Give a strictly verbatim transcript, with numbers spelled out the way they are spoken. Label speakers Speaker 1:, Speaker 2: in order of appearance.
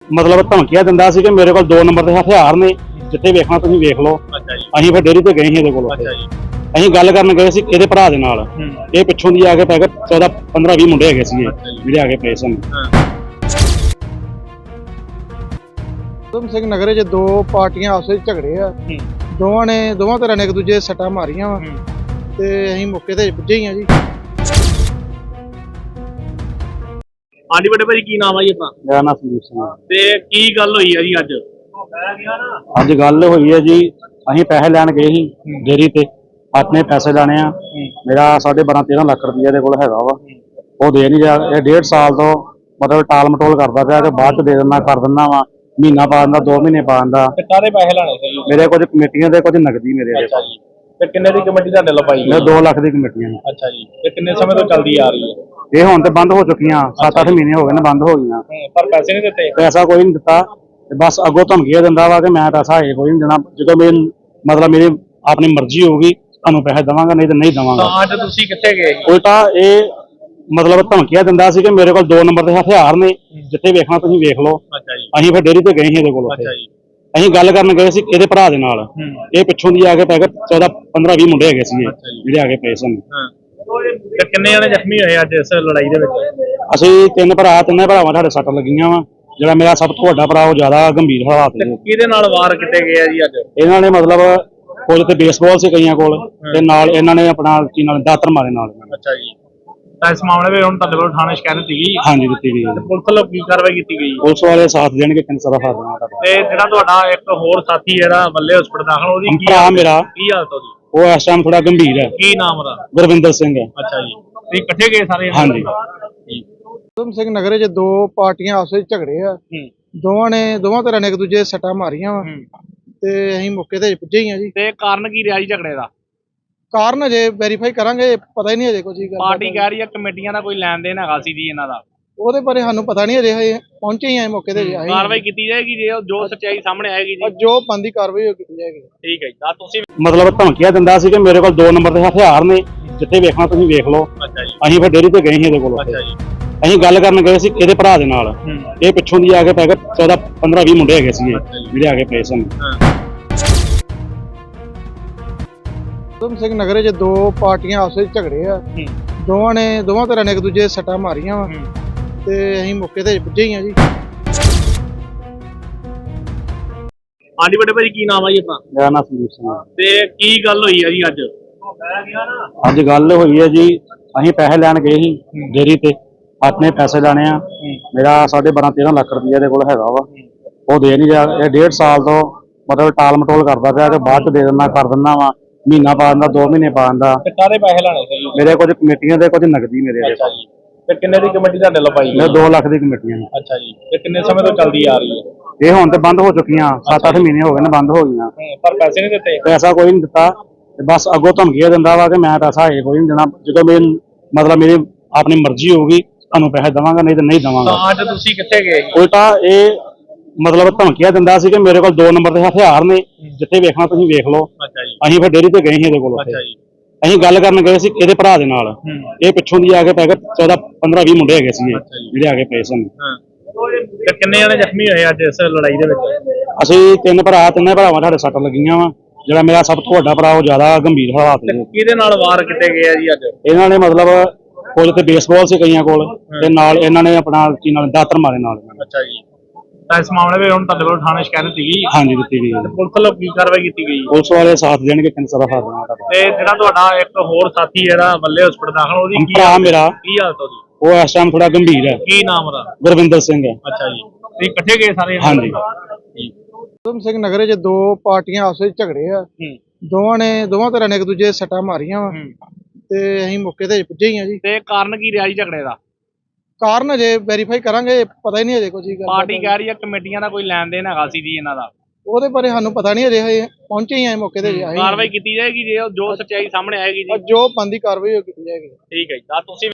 Speaker 1: मतलब धमकियां दिंदा सी कि मेरे को दो नंबर के हथियार ने, जिथे वेखना तुसीं वेख लो। असीं फिर डेयरी ते गए सी इहदे कोल। ਅਸੀਂ ਗੱਲ ਕਰਨ ਗਏ ਸੀ ਇਹਦੇ ਭਰਾ ਦੇ ਨਾਲ। ਇਹ ਪਿੱਛੋਂ ਦੀ ਆ ਕੇ ਪੈ ਗਏ ਚੌਦਾਂ ਪੰਦਰਾਂ ਵੀਹ ਮੁੰਡੇ ਹੈਗੇ ਸੀਗੇ ਜਿਹੜੇ ਆ ਕੇ ਪਏ ਸਨ।
Speaker 2: ਉਦਮ ਸਿੰਘ ਨਗਰ 'ਚ ਦੋ ਪਾਰਟੀਆਂ ਆਪਸ ਵਿੱਚ ਝਗੜੇ ਆ। ਦੋਵਾਂ ਨੇ ਦੋਵਾਂ ਤਰ੍ਹਾਂ ਨੇ ਇੱਕ ਦੂਜੇ ਸੱਟਾਂ ਮਾਰੀਆਂ ਵਾ ਤੇ ਅਸੀਂ ਮੌਕੇ ਤੇ ਪੁੱਜੇ ਹੀ ਆ ਜੀ।
Speaker 3: ਹਾਂਜੀ ਵੱਡੇ ਭਾਈ, ਕੀ ਨਾਮ ਆ ਜੀ ਆਪਣਾ?
Speaker 1: ਮੇਰਾ ਨਾਮ ਸੰਦੀਪ ਸਿੰਘ ਹੈ।
Speaker 3: ਤੇ ਕੀ ਗੱਲ ਹੋਈ ਆ ਜੀ ਅੱਜ?
Speaker 1: ਅੱਜ ਗੱਲ ਹੋਈ ਹੈ ਜੀ, ਅਸੀਂ ਪੈਸੇ ਲੈਣ ਗਏ ਸੀ ਡੇਅਰੀ ਤੇ, ਆਪਣੇ ਪੈਸੇ ਲੈਣੇ ਆ। ਮੇਰਾ ਸਾਢੇ ਬਾਰਾਂ ਤੇਰਾਂ ਲੱਖ ਰੁਪਈਆ ਦੇ ਕੋਲ ਹੈਗਾ ਵਾ, ਉਹ ਦੇ ਨਹੀਂ ਰਿਹਾ। ਇਹ ਡੇਢ ਸਾਲ ਤੋਂ ਮਤਲਬ ਟਾਲ ਮਟੋਲ ਕਰਦਾ ਪਿਆ ਕਿ ਬਾਅਦ ਚ ਦੇ ਦਿੰਦਾ ਕਰ ਦਿੰਦਾ ਵਾ, ਮਹੀਨਾ ਪਾ ਦਿੰਦਾ, ਦੋ ਮਹੀਨੇ ਪਾ ਦਿੰਦਾ।
Speaker 3: ਕਾਹਦੇ ਪੈਸੇ ਲੈਣੇ ਸੀ?
Speaker 1: ਮੇਰੇ ਕੁਝ ਕਮੇਟੀਆਂ ਦੇ, ਕੁਝ ਨਗਦੀ ਮੇਰੇ ਦੇ।
Speaker 3: ਅੱਛਾ ਜੀ। ਤੇ ਕਿੰਨੇ ਦੀ ਕਮੇਟੀ ਤੁਹਾਡੇ ਲੋ ਪਾਈ?
Speaker 1: ਮੇਰੇ ਦੋ ਲੱਖ ਦੀ ਕਮੇਟੀਆਂ ਨੇ।
Speaker 3: ਅੱਛਾ ਜੀ। ਤੇ ਕਿੰਨੇ ਸਮੇਂ ਤੋਂ ਚੱਲਦੀ ਆ ਰਹੀ ਹੈ?
Speaker 1: ਇਹ ਹੁਣ ਤੇ ਬੰਦ ਹੋ ਚੁੱਕੀਆਂ, ਸੱਤ ਅੱਠ ਮਹੀਨੇ ਹੋ ਗਏ ਨੇ ਬੰਦ ਹੋ ਗਈਆਂ।
Speaker 3: ਪਰ ਪੈਸੇ ਨਹੀਂ ਦਿੱਤੇ?
Speaker 1: ਪੈਸਾ ਕੋਈ ਨਹੀਂ ਦਿੱਤਾ, ਬਸ ਅੱਗੋਂ ਧਮਕੀਆਂ ਦਿੰਦਾ ਵਾ ਕਿ ਮੈਂ ਪੈਸਾ ਇਹ ਕੋਈ ਨਹੀਂ ਦੇਣਾ, ਜਦੋਂ ਮੇਰੀ ਮਤਲਬ ਮੇਰੀ ਆਪਣੀ ਮਰਜ਼ੀ ਹੋਊਗੀ ਤੁਹਾਨੂੰ ਪੈਸੇ ਦੇਵਾਂਗਾ, ਨਹੀਂ ਤਾਂ ਨਹੀਂ ਦੇਵਾਂਗਾ।
Speaker 3: ਤਾਂ ਅੱਜ ਤੁਸੀਂ ਕਿੱਥੇ ਗਏ?
Speaker 1: ਉਲਟਾ ਇਹ ਮਤਲਬ ਧਮਕੀਆਂ ਦਿੰਦਾ ਸੀ ਕਿ ਮੇਰੇ ਕੋਲ ਦੋ ਨੰਬਰ ਦੇ ਹਥਿਆਰ ਨੇ, ਜਿੱਥੇ ਵੇਖਣਾ ਤੁਸੀਂ ਵੇਖ ਲਓ।
Speaker 3: ਅੱਛਾ ਜੀ।
Speaker 1: ਅਸੀਂ ਫਿਰ ਡੇਅਰੀ ਤੇ ਗਏ ਸੀ ਇਹਦੇ ਕੋਲ।
Speaker 3: ਅੱਛਾ ਜੀ।
Speaker 1: ਅਸੀਂ ਗੱਲ ਕਰਨ ਗਏ ਸੀ ਇਹਦੇ ਭਰਾ ਦੇ ਨਾਲ। ਇਹ ਪਿੱਛੋਂ ਦੀ ਆ ਕੇ ਪੈ ਗਏ ਚੌਦਾਂ ਪੰਦਰਾਂ ਵੀਹ ਮੁੰਡੇ ਹੈਗੇ ਸੀਗੇ ਜਿਹੜੇ ਆ ਕੇ ਪਏ ਸਨ।
Speaker 3: ਤੇ ਕਿੰਨੇ ਜਣੇ ਜ਼ਖਮੀ ਹੋਏ ਅੱਜ ਇਸ ਲੜਾਈ ਦੇ ਵਿੱਚ?
Speaker 1: ਅਸੀਂ ਤਿੰਨ ਭਰਾ, ਤਿੰਨੇ ਭਰਾਵਾਂ ਸਾਡੇ ਸੱਟ ਲੱਗੀਆਂ ਵਾ। ਜਿਹੜਾ ਮੇਰਾ ਸਭ ਤੋਂ ਵੱਡਾ ਭਰਾ ਉਹ ਜ਼ਿਆਦਾ ਗੰਭੀਰ ਹਾਲਾਤ ਨੇ।
Speaker 3: ਕਿਹਦੇ ਨਾਲ ਵਾਰ ਕੀਤੇ ਗਏ ਆ ਜੀ ਅੱਜ?
Speaker 1: ਇਹਨਾਂ ਨੇ ਮਤਲਬ ਕੁਝ ਤੇ ਬੇਸਬਾਲ ਸੀ ਕਈਆਂ ਕੋਲ, ਤੇ ਨਾਲ ਇਹਨਾਂ ਨੇ ਆਪਣਾ ਕੀ ਨਾਲ ਦਾਤਰ ਮਾਰੇ ਨਾਲ।
Speaker 3: ਅੱਛਾ ਜੀ। ਤਾਂ ਇਸ ਮਾਮਲੇ ਵਿੱਚ ਹੁਣ ਤੁਹਾਡੇ ਕੋਲ ਥਾਣੇ ਸ਼ਿਕਾਇਤ ਦਿੱਤੀ ਗਈ?
Speaker 1: ਹਾਂਜੀ ਦਿੱਤੀ ਗਈ।
Speaker 3: ਪੁਲਿਸ ਵੱਲੋਂ ਕੀ ਕਾਰਵਾਈ ਕੀਤੀ ਗਈ?
Speaker 1: ਪੁਲਿਸ ਵਾਲੇ ਸਾਥ ਦੇਣਗੇ, ਕਿੰਨ ਸਾਰਾ ਸਾਥ ਦੇਣਾ।
Speaker 3: ਤੇ ਜਿਹੜਾ ਤੁਹਾਡਾ ਇੱਕ ਹੋਰ ਸਾਥੀ ਜਿਹੜਾ ਬੱਲੇ ਹਸਪਤਾਲ ਦਾਖਲ, ਉਹਦੀ ਕੀ
Speaker 1: ਭਰਾ ਮੇਰਾ,
Speaker 3: ਕੀ ਹਾਲਤ ਉਹਦੀ?
Speaker 1: ਉਹ ਇਸ ਟਾਈਮ ਥੋੜਾ ਗੰਭੀਰ ਹੈ।
Speaker 3: ਕੀ ਨਾਮ ਉਹਦਾ?
Speaker 1: ਗੁਰਵਿੰਦਰ ਸਿੰਘ ਹੈ।
Speaker 3: ਅੱਛਾ ਜੀ। ਤੁਸੀਂ ਇਕੱਠੇ ਗਏ ਸਾਰੇ?
Speaker 1: ਹਾਂਜੀ।
Speaker 2: ਉਦਮ ਸਿੰਘ ਨਗਰ 'ਚ ਦੋ ਪਾਰਟੀਆਂ ਆਪਸ ਵਿੱਚ ਝਗੜੇ ਆ। ਦੋਵਾਂ ਨੇ ਦੋਵਾਂ ਤਰ੍ਹਾਂ ਨੇ ਇੱਕ ਦੂਜੇ ਸੱਟਾਂ ਮਾਰੀਆਂ ਵਾ ਤੇ ਅਸੀਂ ਮੌਕੇ ਤੇ ਪੁੱਜੇ ਹੀ ਆ ਜੀ।
Speaker 3: ਤੇ ਕਾਰਨ ਕੀ ਰਿਹਾ ਜੀ ਝਗੜੇ ਦਾ?
Speaker 2: ਕਾਰਨ ਅਜੇ ਵੈਰੀਫਾਈ ਕਰਾਂਗੇ, ਪਤਾ ਹੀ ਨਹੀਂ ਅਜੇ ਕੁਝ।
Speaker 3: ਪਾਰਟੀ ਕਹਿ ਰਹੀ ਹੈ ਕਮੇਟੀਆਂ ਦਾ ਕੋਈ ਲੈਣ ਦੇਣ ਹੈਗਾ ਸੀ ਜੀ ਇਹਨਾਂ ਦਾ।
Speaker 2: ਉਹਦੇ ਬਾਰੇ ਸਾਨੂੰ ਪਤਾ ਨਹੀਂ ਅਜੇ, ਹਜੇ ਪਹੁੰਚੇ ਹੀ ਆ ਮੌਕੇ ਤੇ।
Speaker 3: ਕਾਰਵਾਈ ਕੀਤੀ ਜਾਏਗੀ ਜੇ ਜੋ ਸੱਚਾਈ ਸਾਹਮਣੇ ਆਏਗੀ ਜੀ।
Speaker 2: ਜੋ ਬੰਦੀ ਕਾਰਵਾਈ ਉਹ ਕੀਤੀ ਜਾਏਗੀ।
Speaker 3: ਠੀਕ ਹੈ ਜੀ। ਤਾਂ ਤੁਸੀਂ
Speaker 1: ਮਤਲਬ ਧਮਕੀਆਂ ਦਿੰਦਾ ਸੀ ਕਿ ਮੇਰੇ ਕੋਲ ਦੋ ਨੰਬਰ ਦੇ ਹਥਿਆਰ ਨੇ, ਜਿੱਥੇ ਵੇਖਣਾ ਤੁਸੀਂ ਵੇਖ ਲਓ।
Speaker 3: ਅੱਛਾ ਜੀ।
Speaker 1: ਅਸੀਂ ਫਿਰ ਡੇਅਰੀ ਤੇ ਗਏ ਸੀ ਇਹਦੇ ਕੋਲ।
Speaker 3: ਅੱਛਾ ਜੀ।
Speaker 1: ਅਸੀਂ ਗੱਲ ਕਰਨ ਗਏ ਸੀ ਇਹਦੇ ਭਰਾ ਦੇ ਨਾਲ। ਇਹ ਪਿੱਛੋਂ ਦੀ ਆ ਕੇ ਪੈ ਗਏ ਚੌਦਾਂ ਪੰਦਰਾਂ ਵੀਹ ਮੁੰਡੇ ਹੈਗੇ ਸੀਗੇ ਜਿਹੜੇ ਆ ਕੇ ਪਏ ਸਨ।
Speaker 2: ਉਦਮ ਸਿੰਘ ਨਗਰ 'ਚ ਦੋ ਪਾਰਟੀਆਂ ਆਪਸ ਵਿੱਚ ਝਗੜੇ ਆ। ਦੋਵਾਂ ਨੇ ਦੋਵਾਂ ਤਰ੍ਹਾਂ ਨੇ ਇੱਕ ਦੂਜੇ ਸੱਟਾਂ ਮਾਰੀਆਂ ਵਾ ਤੇ ਅਸੀਂ ਮੌਕੇ ਤੇ ਪੁੱਜੇ ਹੀ ਆ ਜੀ।
Speaker 3: ਹਾਂਜੀ ਵੱਡੇ ਭਾਈ, ਕੀ ਨਾਮ ਆ ਜੀ ਆਪਣਾ?
Speaker 1: ਮੇਰਾ ਨਾਮ ਸੰਦੀਪ ਸਿੰਘ ਹੈ।
Speaker 3: ਤੇ ਕੀ ਗੱਲ ਹੋਈ ਆ ਜੀ ਅੱਜ?
Speaker 1: ਅੱਜ ਗੱਲ ਹੋਈ ਹੈ ਜੀ, ਅਸੀਂ ਪੈਸੇ ਲੈਣ ਗਏ ਸੀ ਡੇਅਰੀ ਤੇ, ਆਪਣੇ ਪੈਸੇ ਲੈਣੇ ਆ। ਮੇਰਾ ਸਾਢੇ ਬਾਰਾਂ ਤੇਰਾਂ ਲੱਖ ਰੁਪਈਆ ਦੇ ਕੋਲ ਹੈਗਾ ਵਾ, ਉਹ ਦੇ ਨਹੀਂ ਰਿਹਾ। ਇਹ ਡੇਢ ਸਾਲ ਤੋਂ ਮਤਲਬ ਟਾਲ ਮਟੋਲ ਕਰਦਾ ਪਿਆ ਕਿ ਬਾਅਦ ਚ ਦੇ ਦਿੰਦਾ ਕਰ ਦਿੰਦਾ ਵਾ, ਮਹੀਨਾ ਪਾ ਦਿੰਦਾ, ਦੋ ਮਹੀਨੇ ਪਾ ਦਿੰਦਾ।
Speaker 3: ਤੇ ਕਾਹਦੇ ਪੈਸੇ ਲੈਣੇ ਸੀ?
Speaker 1: ਮੇਰੇ ਕੁਝ ਕਮੇਟੀਆਂ ਦੇ, ਕੁਝ ਨਗਦੀ ਮੇਰੇ ਦੇ।
Speaker 3: ਅੱਛਾ ਜੀ। ਤੇ ਕਿੰਨੇ ਦੀ ਕਮੇਟੀ ਤੁਹਾਡੇ ਲੋ ਪਾਈ?
Speaker 1: ਮੇਰੇ ਦੋ ਲੱਖ ਦੀ ਕਮੇਟੀਆਂ ਨੇ।
Speaker 3: ਅੱਛਾ ਜੀ। ਤੇ ਕਿੰਨੇ ਸਮੇਂ ਤੋਂ ਚੱਲਦੀ ਆ ਰਹੀ ਹੈ?
Speaker 1: ਇਹ ਹੁਣ ਤੇ ਬੰਦ ਹੋ ਚੁੱਕੀਆਂ, ਸੱਤ ਅੱਠ ਮਹੀਨੇ ਹੋ ਗਏ ਨੇ ਬੰਦ ਹੋ ਗਈਆਂ।
Speaker 3: ਪਰ ਪੈਸੇ ਨਹੀਂ ਦਿੱਤੇ? ਪੈਸਾ
Speaker 1: ਕੋਈ ਨਹੀਂ ਦਿੱਤਾ, ਬਸ ਅੱਗੋਂ ਧਮਕੀਆਂ ਦਿੰਦਾ ਵਾ ਕਿ ਮੈਂ ਪੈਸਾ ਇਹ ਕੋਈ ਨਹੀਂ ਦੇਣਾ, ਜਦੋਂ ਮੇਰੀ ਮਤਲਬ ਮੇਰੀ ਆਪਣੀ ਮਰਜ਼ੀ ਹੋਊਗੀ ਤੁਹਾਨੂੰ ਪੈਸੇ ਦੇਵਾਂਗਾ, ਨਹੀਂ ਤਾਂ ਨਹੀਂ ਦੇਵਾਂਗਾ।
Speaker 3: ਤਾਂ ਅੱਜ ਤੁਸੀਂ ਕਿੱਥੇ ਗਏ?
Speaker 1: ਉਲਟਾ ਇਹ ਮਤਲਬ ਧਮਕੀਆਂ ਦਿੰਦਾ ਸੀ ਕਿ ਮੇਰੇ ਕੋਲ ਦੋ ਨੰਬਰ ਦੇ ਹਥਿਆਰ ਨੇ, ਜਿੱਥੇ ਵੇਖਣਾ ਤੁਸੀਂ ਵੇਖ ਲਓ।
Speaker 3: ਅੱਛਾ ਜੀ।
Speaker 1: ਅਸੀਂ ਫਿਰ ਡੇਅਰੀ ਤੇ ਗਏ ਸੀ ਇਹਦੇ ਕੋਲ।
Speaker 3: ਅੱਛਾ ਜੀ।
Speaker 1: ਅਸੀਂ ਗੱਲ ਕਰਨ ਗਏ ਸੀ ਇਹਦੇ ਭਰਾ ਦੇ ਨਾਲ। ਇਹ ਪਿੱਛੋਂ ਦੀ ਆ ਕੇ ਪੈ ਗਏ ਚੌਦਾਂ ਪੰਦਰਾਂ ਵੀਹ ਮੁੰਡੇ ਹੈਗੇ ਸੀਗੇ ਜਿਹੜੇ ਆ ਕੇ ਪਏ ਸਨ।
Speaker 3: ਤੇ ਕਿੰਨੇ ਜਣੇ ਜ਼ਖਮੀ ਹੋਏ ਅੱਜ ਇਸ ਲੜਾਈ ਦੇ ਵਿੱਚ?
Speaker 1: ਅਸੀਂ ਤਿੰਨ ਭਰਾ, ਤਿੰਨੇ ਭਰਾਵਾਂ ਸਾਡੇ ਸੱਟ ਲੱਗੀਆਂ ਵਾ। ਜਿਹੜਾ ਮੇਰਾ ਸਭ ਤੋਂ ਵੱਡਾ ਭਰਾ ਉਹ ਜ਼ਿਆਦਾ ਗੰਭੀਰ ਹਾਲਾਤ ਨੇ।
Speaker 3: ਕਿਹਦੇ ਨਾਲ ਵਾਰ ਕੀਤੇ ਗਏ ਆ ਜੀ ਅੱਜ?
Speaker 1: ਇਹਨਾਂ ਨੇ ਮਤਲਬ ਕੁਝ ਤੇ ਬੇਸਬਾਲ ਸੀ ਕਈਆਂ ਕੋਲ, ਤੇ ਨਾਲ ਇਹਨਾਂ ਨੇ ਆਪਣਾ ਕੀ ਨਾਲ ਦਾਤਰ ਮਾਰੇ ਨਾਲ।
Speaker 3: ਅੱਛਾ ਜੀ। ਤਾਂ ਇਸ ਮਾਮਲੇ ਵਿੱਚ ਹੁਣ ਤੁਹਾਡੇ ਕੋਲ ਥਾਣੇ ਸ਼ਿਕਾਇਤ ਦਿੱਤੀ ਗਈ?
Speaker 1: ਹਾਂਜੀ ਦਿੱਤੀ ਗਈ।
Speaker 3: ਪੁਲਿਸ ਵੱਲੋਂ ਕੀ ਕਾਰਵਾਈ ਕੀਤੀ ਗਈ?
Speaker 1: ਪੁਲਿਸ ਵਾਲੇ ਸਾਥ ਦੇਣਗੇ, ਕਿੰਨ ਸਾਰਾ ਸਾਥ ਦੇਣਾ।
Speaker 3: ਤੇ ਜਿਹੜਾ ਤੁਹਾਡਾ ਇੱਕ ਹੋਰ ਸਾਥੀ ਜਿਹੜਾ ਬੱਲੇ ਹਸਪਤਾਲ ਦਾਖਲ, ਉਹਦੀ ਕੀ
Speaker 1: ਭਰਾ ਮੇਰਾ,
Speaker 3: ਕੀ ਹਾਲਤ ਉਹਦੀ?
Speaker 1: ਉਹ ਇਸ ਟਾਈਮ ਥੋੜਾ ਗੰਭੀਰ ਹੈ।
Speaker 3: ਕੀ ਨਾਮ ਉਹਦਾ?
Speaker 1: ਗੁਰਵਿੰਦਰ ਸਿੰਘ ਹੈ।
Speaker 3: ਅੱਛਾ ਜੀ। ਤੁਸੀਂ ਇਕੱਠੇ ਗਏ ਸਾਰੇ?
Speaker 1: ਹਾਂਜੀ।
Speaker 2: ਉਦਮ ਸਿੰਘ ਨਗਰ 'ਚ ਦੋ ਪਾਰਟੀਆਂ ਆਪਸ ਵਿੱਚ ਝਗੜੇ ਆ। ਦੋਵਾਂ ਨੇ ਦੋਵਾਂ ਤਰ੍ਹਾਂ ਨੇ ਇੱਕ ਦੂਜੇ ਸੱਟਾਂ ਮਾਰੀਆਂ ਵਾ ਤੇ ਅਸੀਂ ਮੌਕੇ ਤੇ ਪੁੱਜੇ ਹੀ ਆ ਜੀ।
Speaker 3: ਤੇ ਕਾਰਨ ਕੀ ਰਿਹਾ ਜੀ ਝਗੜੇ ਦਾ?
Speaker 2: ਕਾਰਨ ਅਜੇ ਵੈਰੀਫਾਈ ਕਰਾਂਗੇ, ਪਤਾ ਹੀ ਨਹੀਂ ਅਜੇ ਕੁਝ।
Speaker 3: ਪਾਰਟੀ ਕਹਿ ਰਹੀ ਹੈ ਕਮੇਟੀਆਂ ਦਾ ਕੋਈ ਲੈਣ ਦੇਣ ਹੈਗਾ ਸੀ ਜੀ ਇਹਨਾਂ ਦਾ।
Speaker 2: ਉਹਦੇ ਬਾਰੇ ਸਾਨੂੰ ਪਤਾ ਨਹੀਂ ਅਜੇ, ਹਜੇ ਪਹੁੰਚੇ ਹੀ ਆ ਮੌਕੇ ਤੇ।
Speaker 3: ਕਾਰਵਾਈ ਕੀਤੀ ਜਾਏਗੀ ਜੇ ਜੋ ਸੱਚਾਈ ਸਾਹਮਣੇ ਆਏਗੀ ਜੀ।
Speaker 2: ਜੋ ਬੰਦੀ ਕਾਰਵਾਈ ਉਹ ਕੀਤੀ ਜਾਏਗੀ।
Speaker 3: ਠੀਕ ਹੈ ਜੀ। ਤਾਂ ਤੁਸੀਂ